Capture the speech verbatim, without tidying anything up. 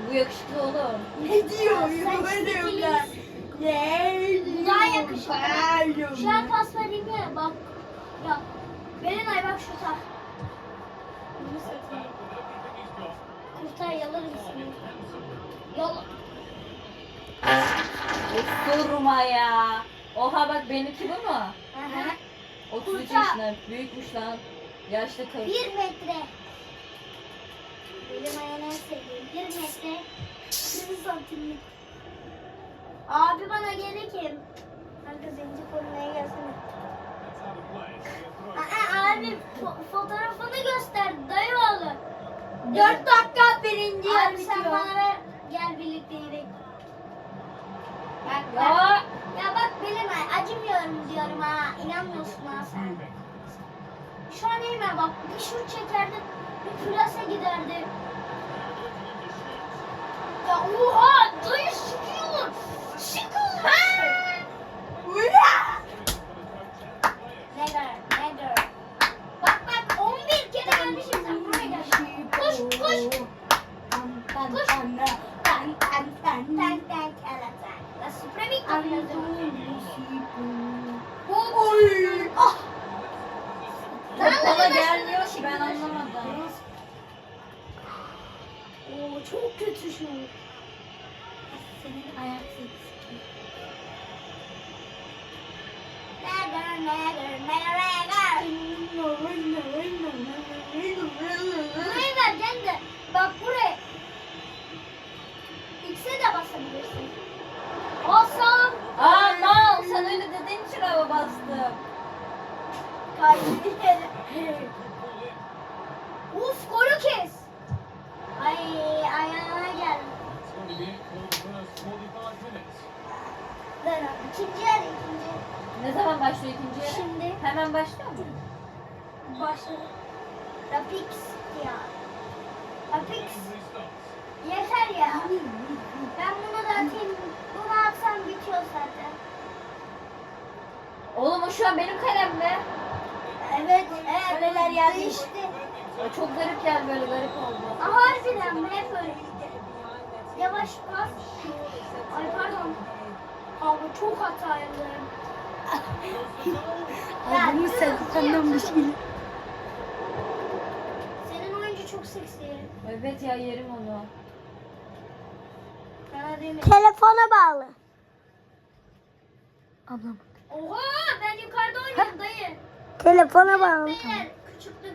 Bu yakışıklı oğlum. Ne diyor? Sen Böyle diyorlar. stiliz. Ne? Daha yakışıklı. Bağırıyorum. Şu an pas vereyim ya bak. Ya. Berenay bak şu tak. Bunu satayım. Kurtar yalarım seni. Yal. Durma ya. Oha bak benimki bu mu? Aha. otuz üç Kurtar. yaşında. Büyükmüş lan. Yaşlı kız. Bir metre. Benim ayağım en sevdiğim. Bir metre. Bir santimlik. Abi bana gelekim. Kanka zenci koymaya gelsene. Aa, abi fo- fotoğrafını göster dayı oğlu. Dört dakika birinci yer Abi sen bitiyor. bana ver. Gel birlikte gidelim. Bak bak. Ya. Ya bak Belenay acımıyorum diyorum ha. İnanmıyorsun ha sen. Şu an Eymen bak bir şut çekerdi. Bir plase giderdi. Ya oha dayı sıkıyor. Sıkıyor. Neler neler. Bak bak on bir kere gelmişim sen buraya gel. Koş koş. Koş. Tan tan tan Ten ten keleten. La supremik oynadım. Oy. Ah. Bana gelmiyor ki ben anlamadım. Oo çok kötü şu. Senin ayak sesi. Neger neger neger. Burayı vereceksin de bak buraya. X'e de basabilirsin. Basam. Aa mal sen öyle dediğin için hava bastım. Kaybettik yere. Uf golü kes. Ay ayağına gel. Ben ikinci yer ikinci. Ne zaman başlıyor ikinci yarı? Şimdi Hemen başlıyor mu? başladı. Rapix ya. Rapix. Yeter ya. Ben bunu da atayım. Bunu atsam bitiyor zaten. Oğlum o şu an benim kalemde. Evet. Evet. Kaleler geldi. Değişti. O çok garip geldi böyle garip oldu. Aa, harbiden mi? Hep öyle. Yavaş bas. Ay pardon. Abi çok hata yapıyorum. Adımı sen tanımış gibi. Senin oyuncu çok seksi. Evet ya yerim onu. Sana değil mi? Telefona bağlı. Ablam. Oha ben yukarıda oynuyorum dayı. Telefona bağlı. Beyler küçüklük